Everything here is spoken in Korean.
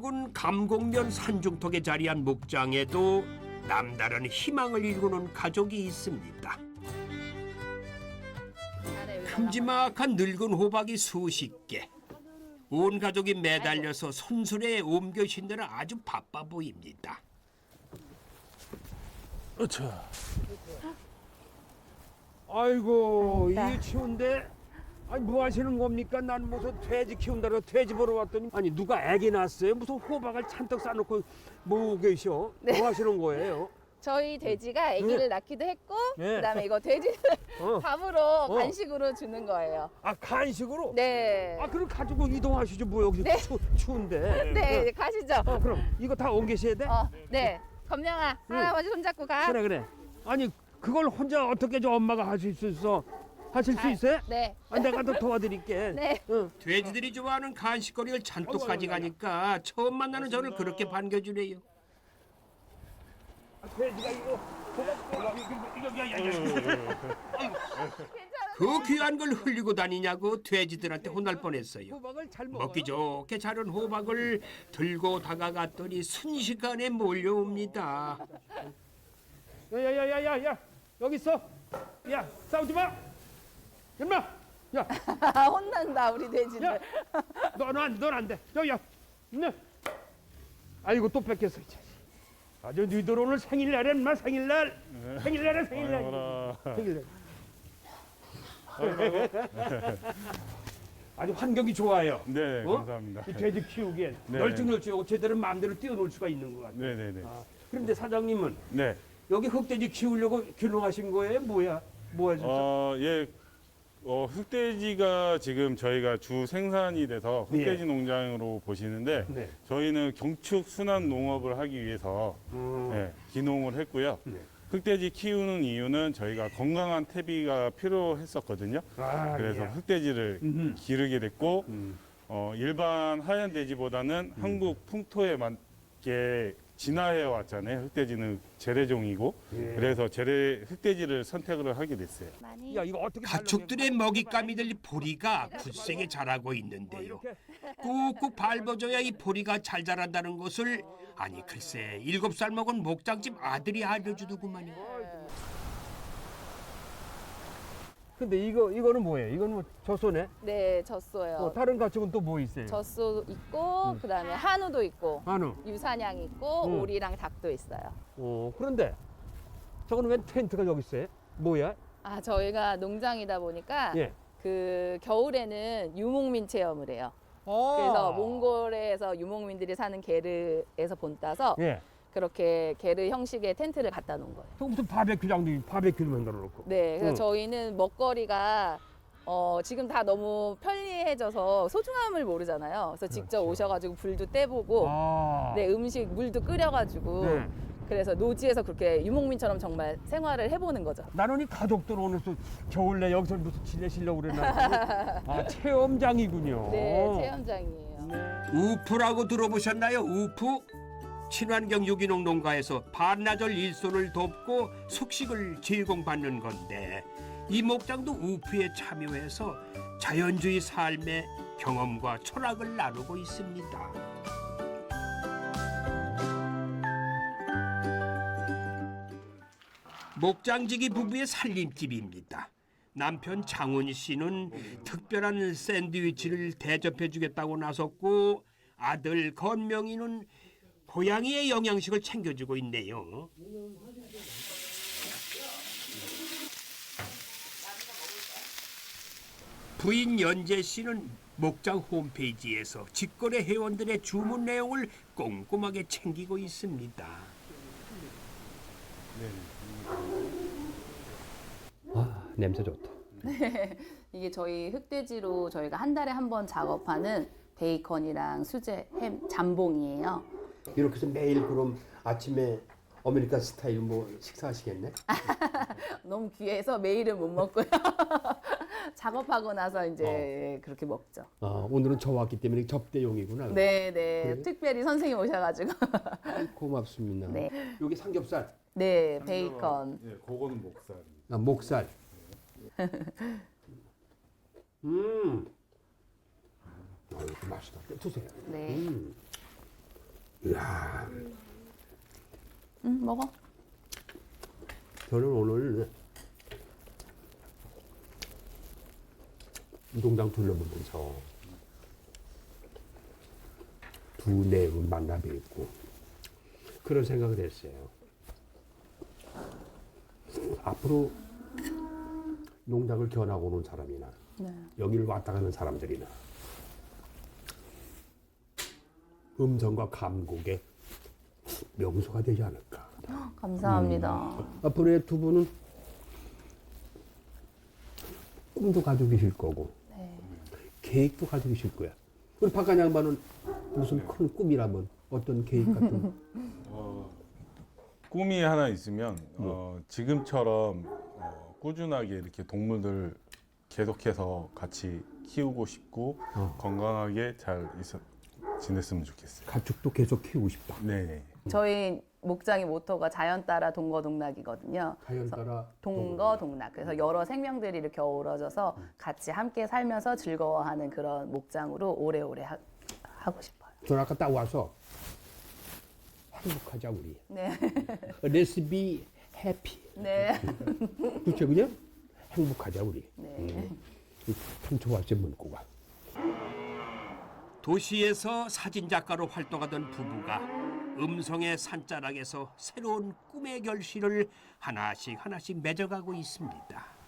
넓은 감곡면 산중턱에 자리한 목장에도 남다른 희망을 일구는 가족이 있습니다. 큼지막한 늙은 호박이 수십 개. 온 가족이 매달려서 손수레에 옮겨 신느라 아주 바빠 보입니다. 어차. 아이고 이게 추운데 아니 뭐 하시는 겁니까? 난 무슨 돼지 키운다고 돼지 보러 왔더니 아니 누가 애기 낳았어요? 무슨 호박을 잔뜩 싸놓고 뭐 계셔? 네. 뭐 하시는 거예요? 저희 돼지가 아기를 낳기도 했고 네. 그다음에 이거 돼지를 밥으로 간식으로 주는 거예요. 아 간식으로? 네. 아 그럼 가지고 이동하시죠 뭐 여기 네. 추운데. 네, 이제 가시죠. 그럼 이거 다 옮기셔야 돼? 네. 검령아, 할아버지 손잡고 가. 그래 그래. 아니 그걸 혼자 어떻게 저 엄마가 하실 수 있어? 하실 수 있어요? 네. 아, 내가 더 도와드릴게. 네. 응. 돼지들이 좋아하는 간식거리를 잔뜩 가져가니까 처음 만나는 저를 그렇게 반겨주네요. 돼지가 이거 그 귀한 걸 흘리고 다니냐고 돼지들한테 혼날 뻔했어요. 호박을 잘 먹어요. 먹기 좋게 자른 호박을 들고 다가갔더니 순식간에 몰려옵니다. 야야야야야 여기 있어. 야 싸우지 마. 임마. 야 혼난다 우리 돼지들. 야. 넌 안 돼. 저기야. 네. 아이고 또 뺏겼어. 이 자식. 아주 너희들 오늘 생일날에 인마 생일날. 생일날에 생일날. 생일날. 아주 환경이 좋아요. 네, 어? 감사합니다. 이 돼지 키우기엔 네. 널찍널찍하고 제대로 마음대로 뛰어놀 수가 있는 것 같아요. 네네네. 그런데 사장님은 네. 여기 흑돼지 키우려고 귀농하신 거예요? 뭐야? 뭐 하셨어? 예. 흑돼지가 지금 저희가 주 생산이 돼서 흑돼지 농장으로 보시는데 네. 저희는 경축 순환 농업을 하기 위해서 기농을 했고요. 네. 흑돼지 키우는 이유는 저희가 건강한 태비가 필요했었거든요. 아, 그래서 예. 흑돼지를 기르게 됐고 일반 하얀 돼지보다는 한국 풍토에 맞게 진화해 왔잖아요. 흑돼지는 재래종이고 예. 그래서 흑돼지를 선택을 하게 됐어요. 많이. 야, 이거 어떻게 가축들의 먹잇감이 될 보리가 굳세게 자라고 있는데요. 꾹꾹 밟아줘야 이 보리가 잘 자란다는 것을 아니 글쎄 7살 먹은 목장집 아들이 알려주더구만요. 근데 이거는 뭐예요? 이거는 뭐 젖소네? 네, 젖소요. 다른 가축은 또 뭐 있어요? 젖소 있고 그다음에 한우도 있고 한우. 유사냥 있고 오리랑 닭도 있어요. 그런데 저거는 웬 텐트가 여기 있어요? 뭐야? 아, 저희가 농장이다 보니까 예. 그 겨울에는 유목민 체험을 해요. 그래서 몽골에서 유목민들이 사는 게르에서 본따서 예. 그렇게 게르 형식의 텐트를 갖다 놓은 거예요. 저 무슨 바베큐장도 바베큐를 만들어 놓고. 네, 그래서 응. 저희는 먹거리가 지금 다 너무 편리해져서 소중함을 모르잖아요. 그래서 직접 오셔가지고 불도 떼보고, 아. 네, 음식 물도 끓여가지고, 네. 그래서 노지에서 그렇게 유목민처럼 정말 생활을 해보는 거죠. 나는 이 가족들 오늘 또 겨울내 여기서 무슨 지내시려고 그랬나? 아, 체험장이군요. 네, 체험장이에요. 우프라고 들어보셨나요? 우프? 친환경 유기농 농가에서 반나절 일손을 돕고 숙식을 제공받는 건데 이 목장도 우프에 참여해서 자연주의 삶의 경험과 철학을 나누고 있습니다. 목장지기 부부의 살림집입니다. 남편 장훈 씨는 특별한 샌드위치를 대접해 주겠다고 나섰고 아들 건명이는 고양이의 영양식을 챙겨주고 있네요. 부인 연재 씨는 목장 홈페이지에서 직거래 회원들의 주문 내용을 꼼꼼하게 챙기고 있습니다. 아, 냄새 좋다. 이게 저희 흑돼지로 저희가 한 달에 한 번 작업하는 베이컨이랑 수제, 햄, 잠봉이에요. 이렇게 해서 매일 그럼 아침에 아메리칸 스타일 뭐 식사하시겠네? 너무 귀해서 매일은 못 먹고요. 작업하고 나서 이제 그렇게 먹죠. 아, 오늘은 저 왔기 때문에 접대용이구나. 네, 네. 그래요? 특별히 선생님 오셔가지고. 고맙습니다. 네. 여기 삼겹살, 네, 베이컨. 예, 그거는 목살입니다. 아, 목살. 맛있다. 드세요. 네. 이야, 응, 먹어. 저는 오늘 농장 둘러보면서 두 내분 만나 뵙고 그런 생각을 했어요. 앞으로 농장을 견하고 오는 사람이나 네. 여기를 왔다 가는 사람들이나 음성과 감곡의 명소가 되지 않을까. 감사합니다. 앞으로의 두 분은 꿈도 가지고 계실 거고 네. 계획도 가지고 계실 거야. 우리 박관 양반은 무슨 큰 꿈이라면 어떤 계획 같은 꿈이 하나 있으면 지금처럼 꾸준하게 이렇게 동물들 계속해서 같이 키우고 싶고 건강하게 잘 지냈으면 좋겠어요. 가축도 계속 키우고 싶다. 네. 저희 목장의 모토가 자연 따라 동거동락이거든요. 자연 따라 동거동락. 그래서 여러 생명들이 이렇게 어우러져서 같이 함께 살면서 즐거워하는 그런 목장으로 오래오래 하고 싶어요. 저는 아까 딱 와서 행복하자 우리. 네. Let's be happy. 네. 그렇죠, 그냥 행복하자 우리. 네. 참 좋았지 문구가. 도시에서 사진작가로 활동하던 부부가 음성의 산자락에서 새로운 꿈의 결실을 하나씩 맺어가고 있습니다.